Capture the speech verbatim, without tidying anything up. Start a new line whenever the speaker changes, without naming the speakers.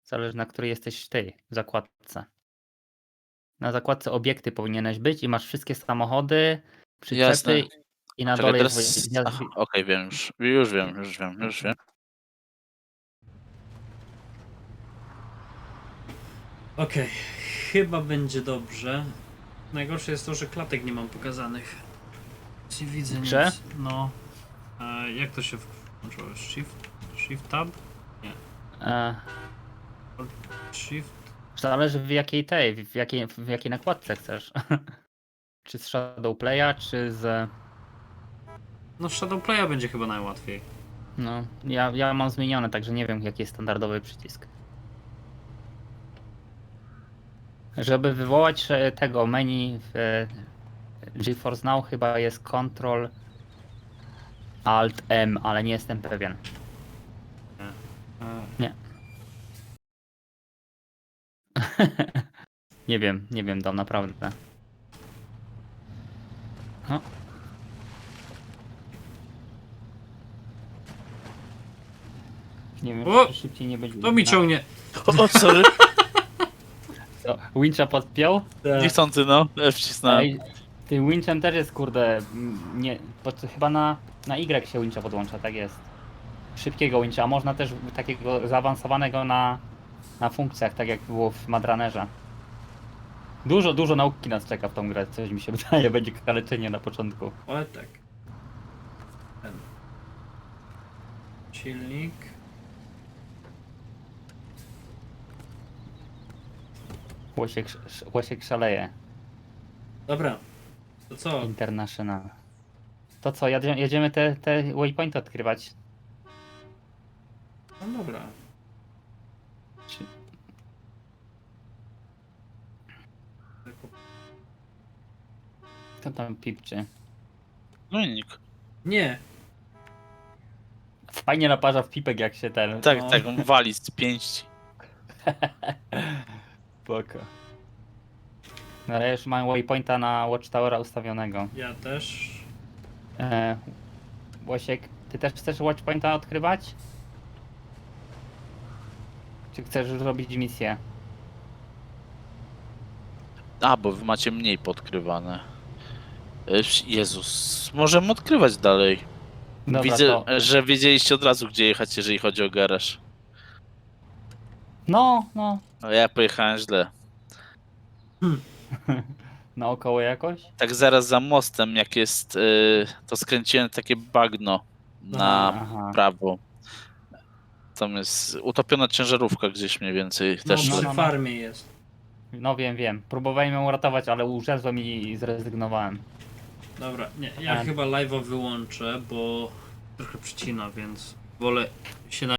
Zależy na której jesteś ty zakładce. Na zakładce obiekty powinieneś być i masz wszystkie samochody,
Jasne.
przyczepy i na
Czekaj,
dole jest
teraz
woje
aha, okej, wiem już. Już wiem, już wiem, już wiem.
Okej, chyba będzie dobrze. Najgorsze jest to, że klatek nie mam pokazanych. Nie widzę
Grze?
nic. No. E, jak to się włączyło? Shift? Shift tab? Nie.
E,
Shift?
zależy w jakiej tej, w jakiej, w jakiej nakładce chcesz. Czy z Shadowplaya, czy z...
No Shadowplaya będzie chyba najłatwiej.
No, ja, ja mam zmienione, także nie wiem jaki jest standardowy przycisk. Żeby wywołać e, tego menu w e, GeForce Now chyba jest Ctrl Alt M, ale nie jestem pewien.
E,
Nie. Nie wiem, nie wiem, dam naprawdę. No. Nie wiem,
O!
czy szybciej nie będzie.
to mi ciągnie.
O, sorry.
Co, Wincha podpiął?
Niechcący, no. Ja wcisnąłem.
Ej, tym winchem też jest kurde, m, nie, pod, chyba na, na Y się wincha podłącza, tak jest. Szybkiego wincha, a można też takiego zaawansowanego na, na funkcjach, tak jak było w Madranerze. Dużo, dużo nauki nas czeka w tą grę, coś mi się wydaje, będzie kaleczenie na początku.
Ale tak. Ten. Silnik.
Łosiek, sz- łosiek szaleje.
Dobra. To co?
International. To co, jadzie, jedziemy te, te waypointy odkrywać?
No dobra.
Czy... Kto tam pipczy?
No i nikt.
Nie.
Fajnie naparza w pipek jak się ten...
Tak,
No.
tak, on wali z pięści.
Spoko. No ale już mam waypointa na Watchtowera ustawionego.
Ja też.
E, Łosiek, ty też chcesz Watchpointa odkrywać? Czy chcesz robić misję?
A, bo wy macie mniej podkrywane. E, Jezus, możemy odkrywać dalej.
Dobra,
Widzę,
to...
że wiedzieliście od razu, gdzie jechać, jeżeli chodzi o garaż.
No, no.
A ja pojechałem źle.
Naokoło jakoś?
Tak zaraz za mostem, jak jest, y, to skręciłem takie bagno na
Aha.
prawo. Tam jest utopiona ciężarówka gdzieś mniej więcej.
No
Też
no,
przy
no, no.
farmie jest.
No wiem, wiem. Próbowałem ją uratować, ale urzezłem i zrezygnowałem.
Dobra, nie, ja
A.
chyba live'a wyłączę, bo trochę przycina, więc wolę się na